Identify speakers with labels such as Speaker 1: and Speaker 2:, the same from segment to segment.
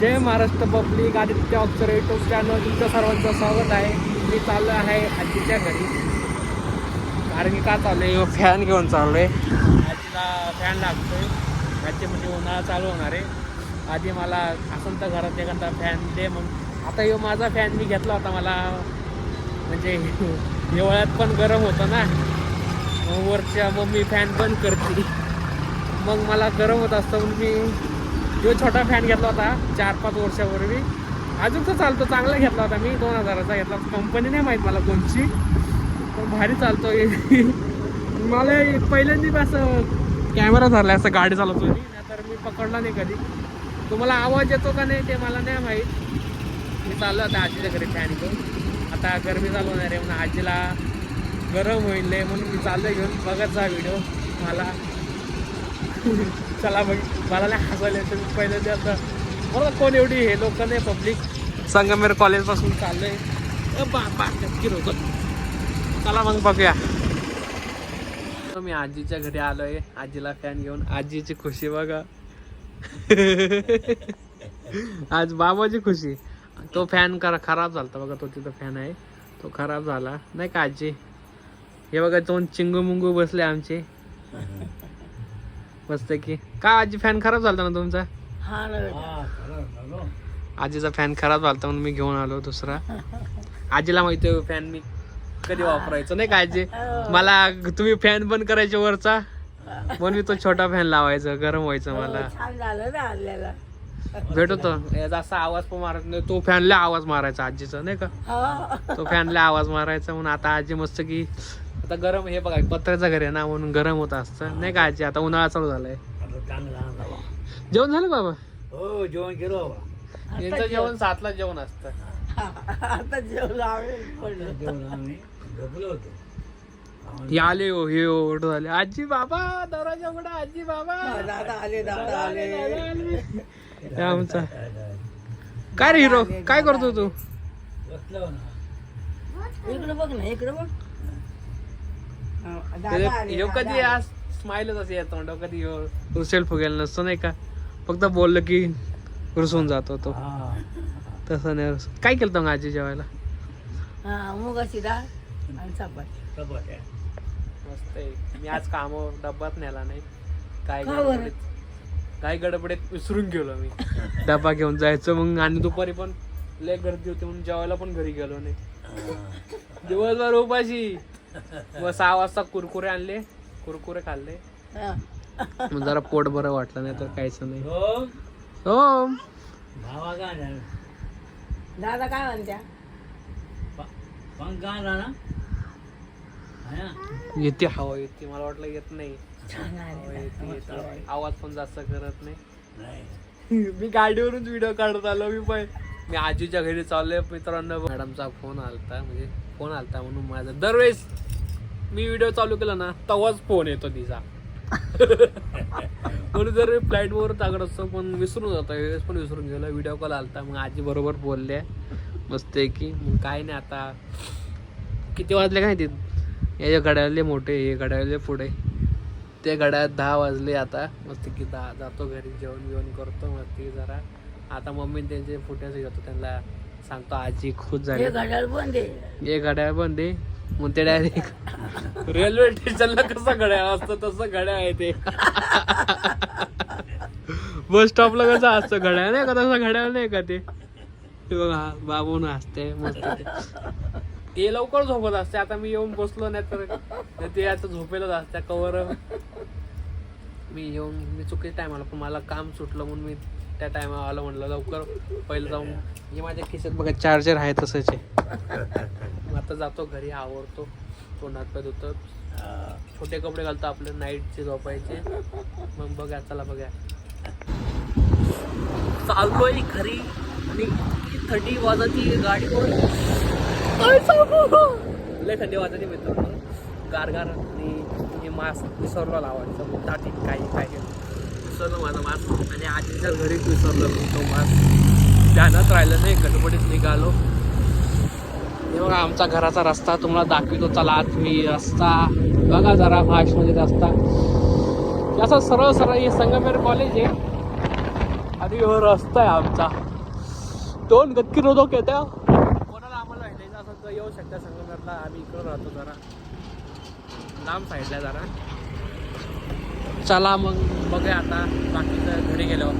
Speaker 1: जय Maharashtra public, Aditya ऑक्सर YouTube channel तुमच्या सर्वांचं स्वागत आहे. मी चाललो आहे आजीच्या घरी. कारण की का चाललो आहे, फॅन घेऊन चाललो आहे. आजीला फॅन लागतोय. आजी म्हणजे उन्हाळा चालू होणार आहे. आधी मला असं तर घरात एखादा फॅन दे. मग आता यो माझा फॅन मी घेतला होता. मला म्हणजे हिवाळ्यात पण गरम होतं ना, मग वरच्या मम्मी फॅन बंद करते, मग मला गरम होत असतं. म्हणून मी जो छोटा फॅन घेतला होता 4-5 वर्षापूर्वी. अजून तर चालतो, चांगला घेतला होता मी. 2000चा घेतला. कंपनी नाही माहीत मला कोणची, पण भारी चालतो. मला पहिल्यांदा असं कॅमेरा धरला असं गाडी चालवतो मी, तर मी पकडला नाही कधी. तुम्हाला आवाज येतो का नाही ते मला नाही माहीत. मी चाललो आता आजीच्या घरी फॅन घेऊन. आता गरमी चालू होणार आहे म्हणून आजीला गरम होईल म्हणून मी चाललो घेऊन. बघत जा व्हिडिओ. मला चला बघ, मला नाही हसायला येतं. मी पहिल्यांदा आता बरोबर कोण एवढी हे लोक नाही पब्लिक. संगमेर कॉलेजपासून चाललो आहे. बाबा नक्की रोकत. चला मग बघूया. मी आजीच्या घरी आलो आहे आजीला फॅन घेऊन. आजीची खुशी बघा. आज बाबाची खुशी. तो फॅन खराब झाला बघा. तो तिथं फॅन आहे तो खराब झाला नाही का आजी. हे बघा 2 चिंगू मुंगू बसले आमचे मस्त की. का आजी फॅन खराब झाला ना तुमचा? आजीचा फॅन खराब झाला म्हणून मी घेऊन आलो दुसरा. आजीला माहिती आहे फॅन मी कधी वापरायचं नाही का आजी. मला तुम्ही फॅन बंद करायचे वरचा, म्हणून मी तो छोटा फॅन लावायचा. गरम व्हायचं मला. भेटतो जास्त आवाज पण मारत नाही. तो फॅनला आवाज मारायचा आजीचा नाही का. तो फॅनला आवाज मारायचा म्हणून आता आजी मस्त की. आता गरम हे बघा पत्र्याचं घर आहे ना म्हणून गरम होत असतं नाही का आजी. आता उन्हाळा चालू झालाय. जेवण झालं बाबा?
Speaker 2: हो जेवण केलं बाबा.
Speaker 1: यांचं जेवण 7ला जेवण असतं.
Speaker 2: आता जेवण आम्ही झोपलो होतो.
Speaker 1: हे आले हो, हे ओढ झाले. आजी बाबा दरवाजा उघडा. आजी बाबा.
Speaker 2: दादा आले दादा आले.
Speaker 1: हे आमचा काय रे हिरो, काय करतो तू?
Speaker 2: बसलो ना. इकडे बघ ना, इकडे बघ.
Speaker 1: ह्यो कधी आज स्माइलच असे येतो. कधी रुसेल फुगेल नसतो नाही का. फक्त बोललं की रुसून जातो तो. तसं नाही रुसून. काय केलं मग आजी जेवायला?
Speaker 2: मुगाची डाळ आणि चपाती.
Speaker 1: मस्त आहे. मी आज कामावर डब्बाच नेला नाही. काय गडबडीत विसरून गेलो मी डब्बा घेऊन जायचं. मग आणि दुपारी पण लय गर्दी होती म्हणून जेवायला पण घरी गेलो नाही. दिवसभर उपाशी. मग 6 वाजता कुरकुरे आणले, कुरकुरे खाल्ले. मग जरा पोट बरं वाटलं, नाही तर काहीच नाही. हो
Speaker 2: दादा काय म्हणत्या?
Speaker 1: येते हवा येते. मला वाटलं येत नाही. येते. आवाज पण जास्त करत नाही. मी गाडीवरून व्हिडिओ काढत आलो. मी आजीच्या घरी चाललोय मित्रांनो. मॅडमचा फोन आलता, म्हणजे फोन आलता म्हणून माझा दरवेळेस मी व्हिडिओ चालू केला ना तेव्हाच फोन येतो तिचा. म्हणून जर फ्लाईट वर टाकत असतो पण विसरून जातो. वेळेस पण विसरून गेलो. व्हिडिओ कॉल आलता मग आजी बरोबर बोलले मस्त आहे की. मग काय नाही. आता किती वाजले काय ते. हे घड्याळले मोठे, हे घड्याळले पुढे. ते घड्याळात 10 वाजले. आता मस्त की जातो घरी. जेवण करतो मस्ती जरा. आता मम्मी त्यांचे फुट्याचे घेतो. त्यांना सांगतो आजी खुश झाली.
Speaker 2: घड्याळ बंद आहे.
Speaker 1: हे घड्याळ बंद आहे. मग ते डायरेक्ट रेल्वे स्टेशनला कसं घड्याळ असतं तसं घड्याळ आहे ते. बस स्टॉपला कसं असतं घड्याळ नाही का, तसं घड्याळ नाही का ते. बघा बाबून असते मस्त. ते लवकर झोपत असते. आता मी येऊन बसलो नाही तर ते आता झोपेलच असते कवर. मी येऊन मी चुकीच्या टायमाला पण मला काम सुटलं म्हणून मी त्या टायमाला आलं. म्हणलं लवकर पहिलं जाऊन. हे माझ्या खिशात बघा चार्जर आहे तसंच आहे. आता जातो घरी, आवरतो, तोंडात पाय धुतो, छोटे कपडे घालतो आपले नाईटचे झोपायचे. मग बघा चला बघा चाललोय घरी. आणि थंडी वाजती गाडीवर. लय थंडी वाजती मित्रांनो. गारगार. आणि हे मास्क विसरलो लावायचं. दाटी काय विसरलो माझा मास्क. आणि आजीच्या घरीच विसरलो तो मास्क. ध्यानात राहिलं नाही. गडबडीत निघालो. हे बघा आमचा घराचा रस्ता तुम्हाला दाखवतो. चला तुम्ही रस्ता बघा जरा फास्ट मध्ये रस्ता. असं सरळ सरळ हे संगमेर कॉलेज आहे आणि रस्ता आहे आमचा. 2 गटकी रोधक येत्या. कोणाला आम्हाला भेटायचं असं तर येऊ शकता संगमनेरला. आम्ही इकडं राहतो जरा लांब साईडला जरा. चला मग बघूया आता बाकीचं घरी गेलो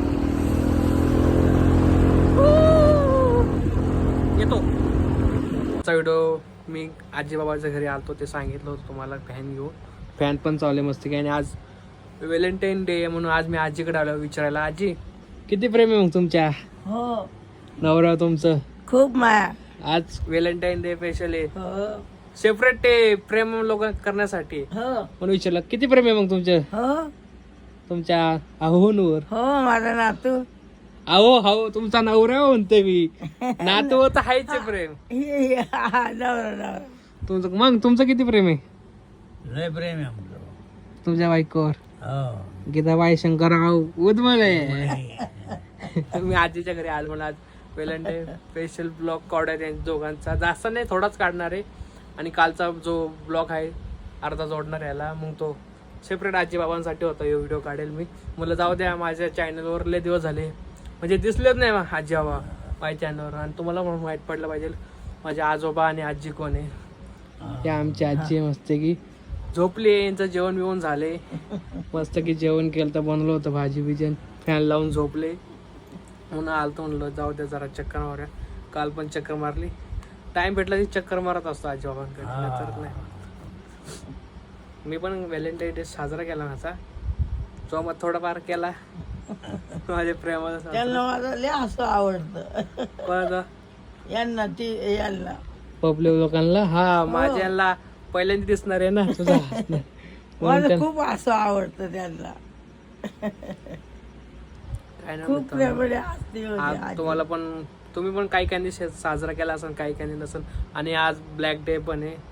Speaker 1: येतो. व्हिडिओ मी आजी बाबाच्या घरी आलतो ते सांगितलं होतं तुम्हाला. फॅन घेऊन फॅन पण चालले मस्त की. आणि आज व्हॅलेंटाईन डे म्हणून आज मी आजीकडे आलो विचारायला. आजी किती प्रेम आहे मग तुमच्या
Speaker 2: हो
Speaker 1: नवरा तुमचं?
Speaker 2: खूप माया.
Speaker 1: आज व्हॅलेंटाईन डे स्पेशल आहे.
Speaker 2: हो
Speaker 1: सेपरेट ते प्रेम लोक करण्यासाठी
Speaker 2: हो
Speaker 1: म्हणून विचारलं किती प्रेम आहे मग तुमचं
Speaker 2: हो
Speaker 1: तुमच्या अहोंवर?
Speaker 2: हो माझा नातू.
Speaker 1: अहो हो तुमचा नवरा म्हणते मी. नातू तर हायचे प्रेम
Speaker 2: नवरा
Speaker 1: तुमचं. मग तुमचं किती प्रेम आहे
Speaker 2: लय प्रेम आहे आमचं.
Speaker 1: तुमच्या बायकोवर?
Speaker 2: हो
Speaker 1: गीताबाई शंकरराव उदमले. मी आजीच्या घरी आलो म्हणून आज व्हॅलेंटाईन स्पेशल ब्लॉग काढाय त्यांच्या दोघांचा. जास्त नाही थोडाच काढणार आहे. आणि कालचा जो ब्लॉग आहे अर्धा जोडणार याला. मग तो सेपरेट आजी बाबांसाठी होता हे व्हिडिओ काढेल मी. मला जाऊ द्या माझ्या चॅनलवर लय दिवस झाले म्हणजे दिसलेच नाही आजी बाबा माझ्या चॅनलवर. आणि तुम्हाला म्हणून माहीत पडलं पाहिजे माझे आजोबा आणि आजी कोण आहे. हे आमची आजी मस्त की झोपली. यांचं जेवण बिवण झाले मस्त की. जेवण केलं तर बनवलं होतं भाजी बिजन. फॅन लावून झोपले म्हणून आलतो म्हणलं जाऊ द्या जरा चक्कर मारूया. काल पण चक्कर मारली. टाइम भेटला की चक्कर मारत असतो आजी बाबांकडे तर नाही. मी पण व्हॅलेंटाईन डे साजरा केला माझा. जो मग थोडाफार केला माझ्या प्रेमाचा.
Speaker 2: त्यांना माझं लय असं आवडतं.
Speaker 1: पण
Speaker 2: यांना ती यांना
Speaker 1: पब्लिक लोकांना हा माझ्याला पहिल्यांदा दिसणार आहे ना तुझा.
Speaker 2: मला खूप असं आवडतं त्यांना.
Speaker 1: काय ना
Speaker 2: खूप प्रेमळे असते
Speaker 1: आज तुम्हाला पण तुम्ही पण काही काही साजरा केला असेल काही काही नसेल. आणि आज ब्लॅक डे पण आहे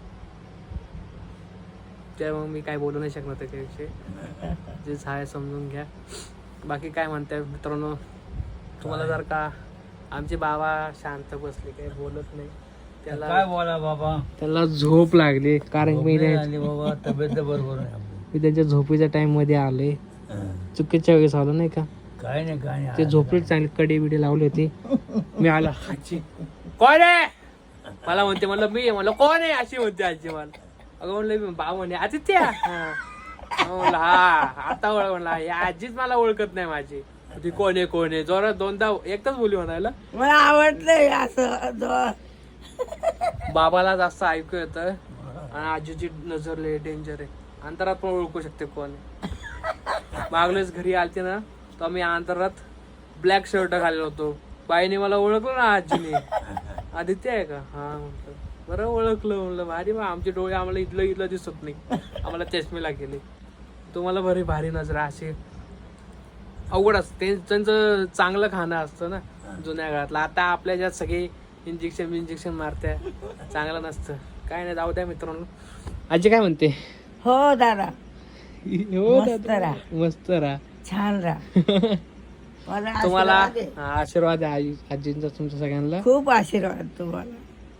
Speaker 1: ते मग मी काय बोलू नाही शकणार त्याच्याविषयी. जे आहे समजून घ्या. बाकी काय म्हणताय मित्रांनो तुम्हाला जर का आमचे बाबा शांत बसले काही बोलत नाही त्याला
Speaker 2: काय बोला बाबा.
Speaker 1: त्याला झोप लागली कारण मी
Speaker 2: बाबा तब्येत बरोबर
Speaker 1: मी त्यांच्या झोपीच्या टाइम मध्ये आले. चुकीच्या वेळेस आलो नाही का.
Speaker 2: काय नाही काय नाही.
Speaker 1: ते झोपडीत चांगली कडी बिडी लावली होती. मी आला आजी कोण आहे मला म्हणते. म्हणलं मी म्हणलं कोण आहे अशी म्हणते आजी मला. अगं म्हणलं बाबा म्हणे आदित्य. म्हणलं हा आता ओळख. म्हणला हे आजीच मला ओळखत नाही माझी. ती कोण आहे जोरात दोनदा एकदाच बोली म्हणायला.
Speaker 2: मला आवडलं असं.
Speaker 1: बाबाला जास्त ऐकू येतं आणि आजीची नजर लय डेंजर आहे. अंतरात पण ओळखू शकते कोण आहे. मागलेच घरी आलते ना तर मी अंतरात ब्लॅक शर्ट घालेलो होतो. बाईने मला ओळखलं ना आजीने. आदित्य आहे का हा म्हटलं. बरं ओळखलं म्हणलं. भारी मग आमचे डोळे आम्हाला इथलं दिसत नाही. आम्हाला चष्मेला गेले. तुम्हाला बरी भारी नजर अशी अवघड असते. त्यांचं चांगलं खाणं असतं ना जुन्या काळातलं. आता आपल्या ज्यात सगळे इंजेक्शन मारत्या चांगलं नसतं. काय नाही जाऊ द्या मित्रांनो. आजी काय म्हणते?
Speaker 2: हो दादा
Speaker 1: हो
Speaker 2: मस्त राहा.
Speaker 1: मस्त राहा
Speaker 2: छान राहा. मला
Speaker 1: तुम्हाला
Speaker 2: आशीर्वाद आहे.
Speaker 1: आशीर्वाद आहे आजींचा तुमच्या सगळ्यांना.
Speaker 2: खूप आशीर्वाद तुम्हाला.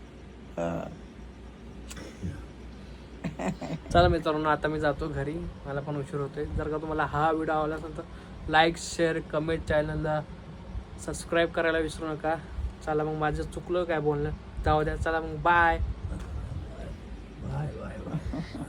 Speaker 1: चला मित्रांनो आता मी जातो घरी. मला पण उशीर होतोय. जर का तुम्हाला हा व्हिडिओ आवडला असेल तर लाईक शेअर कमेंट चॅनलला सबस्क्राईब करायला विसरू नका. चला मग माझं चुकलं काय बोलणं जाऊ द्या. चला मग बाय.
Speaker 2: Bye bye bye.